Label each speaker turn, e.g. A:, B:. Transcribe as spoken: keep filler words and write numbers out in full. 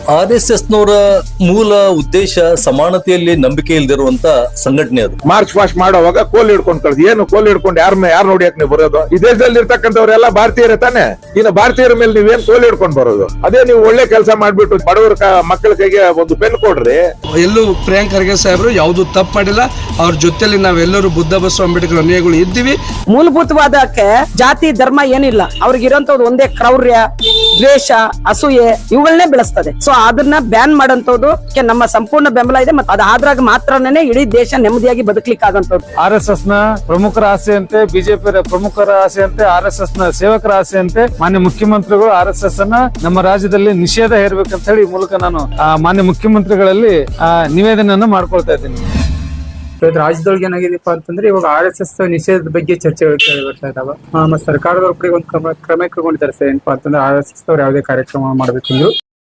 A: R S S ನವರ ಮೂಲ ಉದ್ದೇಶ ಸಮಾನತೆಯಲ್ಲಿ ನಂಬಿಕೆ ಇಲ್ದಿರುವಂತ ಸಂಘಟನೆ ಅದು.
B: ಮಾರ್ಚ್ ಪಾಸ್ಟ್ ಮಾಡುವಾಗ ಕೋಲ್ ಹಿಡ್ಕೊಂಡು ಕಳ್ಸಿ, ಏನು ಕೋಲ್ ಹಿಡ್ಕೊಂಡು ಯಾರ ಯಾರು ನೋಡಿಯಕ್ ನೀವು ಬರೋದು? ಈ ದೇಶದಲ್ಲಿ ಇರ್ತಕ್ಕಂಥವ್ರೆಲ್ಲ ಭಾರತೀಯರೇ ತಾನೆ. ಇನ್ನು ಭಾರತೀಯರ ಮೇಲೆ ನೀವೇನ್ ಕೋಲ್ ಹಿಡ್ಕೊಂಡು ಬರೋದು? ಅದೇ ನೀವು ಒಳ್ಳೆ ಕೆಲಸ ಮಾಡ್ಬಿಟ್ಟು ಬಡವರ ಮಕ್ಕಳ ಕೈಗೆ ಒಂದು ಪೆನ್ ಕೊಡ್ರಿ.
C: ಎಲ್ಲೂ ಪ್ರಿಯಾಂಕ್ ಖರ್ಗೆ ಸಾಹೇಬರು ಯಾವ್ದು ತಪ್ಪು ಮಾಡಿಲ್ಲ. ಅವ್ರ ಜೊತೆಲಿ ನಾವೆಲ್ಲರೂ ಬುದ್ಧ ಬಸವ ಅಂಬೇಡ್ಕರ್ ಅನುಯಾಯಿಗಳು ಇದ್ದೀವಿ.
D: ಮೂಲಭೂತವಾದಕ್ಕೆ ಜಾತಿ ಧರ್ಮ ಏನಿಲ್ಲ. ಅವ್ರಿಗಿರೋಂಥದ್ದು ಒಂದೇ ಕ್ರೌರ್ಯ, ದ್ವೇಷ, ಅಸೂಯೆ ಇವುಗಳನ್ನೇ ಬೆಳೆಸ್ತದೆ. ಸೊ ಅದನ್ನ ಬ್ಯಾನ್ ಮಾಡೋಂಥದ್ದು ನಮ್ಮ ಸಂಪೂರ್ಣ ಬೆಂಬಲ ಇದೆ. ಮತ್ತೆ ಅದಾದ್ರಾಗ ಮಾತ್ರನೇ ಇಡೀ ದೇಶ ನೆಮ್ಮದಿಯಾಗಿ ಬದುಕಲಿಕ್ಕೆ ಆಗಂತದ್ದು.
E: ಆರ್ ಎಸ್ ಎಸ್ ನ ಪ್ರಮುಖರ ಆಸೆಯಂತೆ, ಬಿಜೆಪಿ ಪ್ರಮುಖರ ಆಸೆಯಂತೆ, ಆರ್ ಎಸ್ ಎಸ್ ನ ಸೇವಕರ ಆಸೆಯಂತೆ ಮಾನ್ಯ ಮುಖ್ಯಮಂತ್ರಿಗಳು ಆರ್ ಎಸ್ ಎಸ್ ಅನ್ನ ನಮ್ಮ ರಾಜ್ಯದಲ್ಲಿ ನಿಷೇಧ ಹೇರ್ಬೇಕಂತ ಹೇಳಿ ಈ ಮೂಲಕ ನಾನು ಮಾನ್ಯ ಮುಖ್ಯಮಂತ್ರಿಗಳಲ್ಲಿ ನಿವೇದನೆಯನ್ನ ಮಾಡ್ಕೊಳ್ತಾ ಇದ್ದೀನಿ.
F: ರಾಜ್ಯದೊಳಗೆ ಏನಾಗಿದೆಪ್ಪ ಅಂತಂದ್ರೆ ಇವಾಗ ಆರ್ ಎಸ್ ಎಸ್ ನಿಷೇಧದ ಬಗ್ಗೆ ಚರ್ಚೆಗಳು ಕೇಳಿ ಬರ್ತಾ ಇದಾವ. ಮತ್ತೆ ಸರ್ಕಾರದವ್ರ ಕಡೆ ಒಂದು ಕ್ರಮ ಕ್ರಮ ಕೈಗೊಂಡಿದ್ದಾರೆ. ಏನಪ್ಪಾ ಅಂತಂದ್ರೆ ಆರ್ ಎಸ್ ಎಸ್ ಅವ್ರು ಯಾವುದೇ ಕಾರ್ಯಕ್ರಮ ಮಾಡ್ಬೇಕಂದ್ರು